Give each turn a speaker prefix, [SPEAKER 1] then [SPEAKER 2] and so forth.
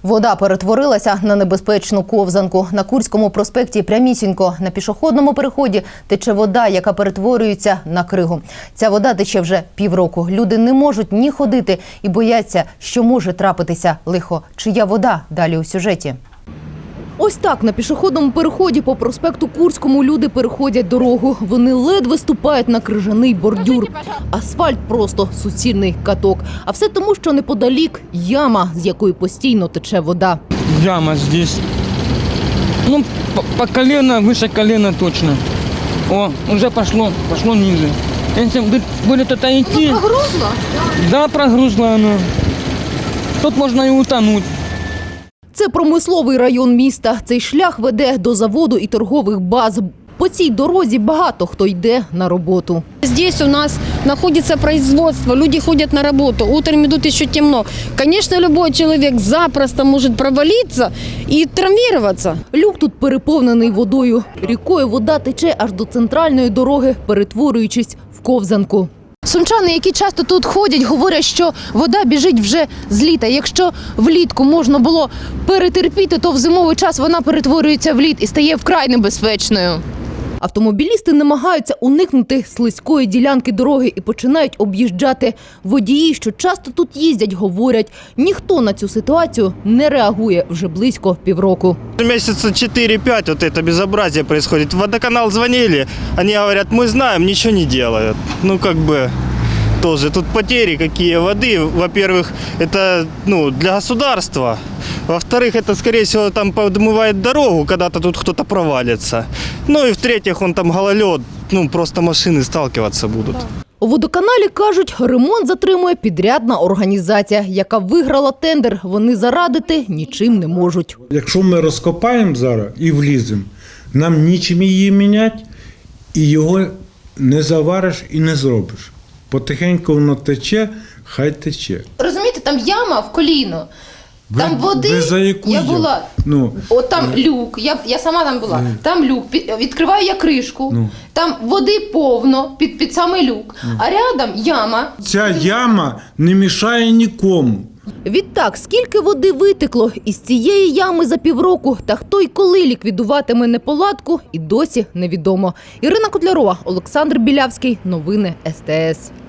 [SPEAKER 1] Вода перетворилася на небезпечну ковзанку. На Курському проспекті прямісінько на пішохідному переході тече вода, яка перетворюється на кригу. Ця вода тече вже півроку. Люди не можуть ні ходити і бояться, що може трапитися лихо. Чия вода? Далі у сюжеті. Ось так на пішохідному переході по проспекту Курському люди переходять дорогу. Вони ледве ступають на крижаний бордюр. Асфальт просто суцільний каток. А все тому, що неподалік яма, з якої постійно тече вода.
[SPEAKER 2] Яма здесь. Ну, по колено, выше колена точно. О, уже пошло ниже. Если будет это идти...
[SPEAKER 1] Оно прогрузло?
[SPEAKER 2] Да, прогрузло оно. Тут можно и утонуть.
[SPEAKER 1] Це промисловий район міста. Цей шлях веде до заводу і торгових баз. По цій дорозі багато хто йде на роботу.
[SPEAKER 3] Здесь у нас находится производство, люди ходят на работу, утром идут еще темно. Конечно, любой человек запросто может провалиться и травмироваться.
[SPEAKER 1] Люк тут переповнений водою. Рікою вода тече аж до центральної дороги, перетворюючись в ковзанку. Сумчани, які часто тут ходять, говорять, що вода біжить вже з літа. Якщо влітку можна було перетерпіти, то в зимовий час вона перетворюється в лід і стає вкрай небезпечною. Автомобілісти намагаються уникнути слизької ділянки дороги і починають об'їжджати. Водії, що часто тут їздять, говорять, ніхто на цю ситуацію не реагує вже близько півроку.
[SPEAKER 4] Месяца 4-5 вот это безобразие происходит. В водоканал звонили, они говорят, мы знаем, ничего не делают. Ну, как бы, тоже тут потери какие воды. Во-первых, это для государства. Во-вторых, это, скорее всего, там подмывает дорогу, когда-то тут кто-то провалится. Ну и в-третьих, он там гололед, просто машины сталкиваться будут.
[SPEAKER 1] У водоканалі кажуть, ремонт затримує підрядна організація, яка виграла тендер. Вони зарадити нічим не можуть.
[SPEAKER 5] Якщо ми розкопаємо зараз і вліземо, нам нічим її міняти, і його не завариш і не зробиш. Потихеньку воно тече, хай тече.
[SPEAKER 1] Розумієте, там яма в коліно. Там води,
[SPEAKER 5] ви за яку
[SPEAKER 1] я була, от там люк, я сама там була, там люк, відкриваю я кришку, там води повно під самий люк, а рядом яма.
[SPEAKER 5] Ця яма не мішає нікому.
[SPEAKER 1] Відтак, скільки води витекло із цієї ями за півроку, та хто й коли ліквідуватиме неполадку, і досі невідомо. Ірина Котлярова, Олександр Білявський, новини СТС.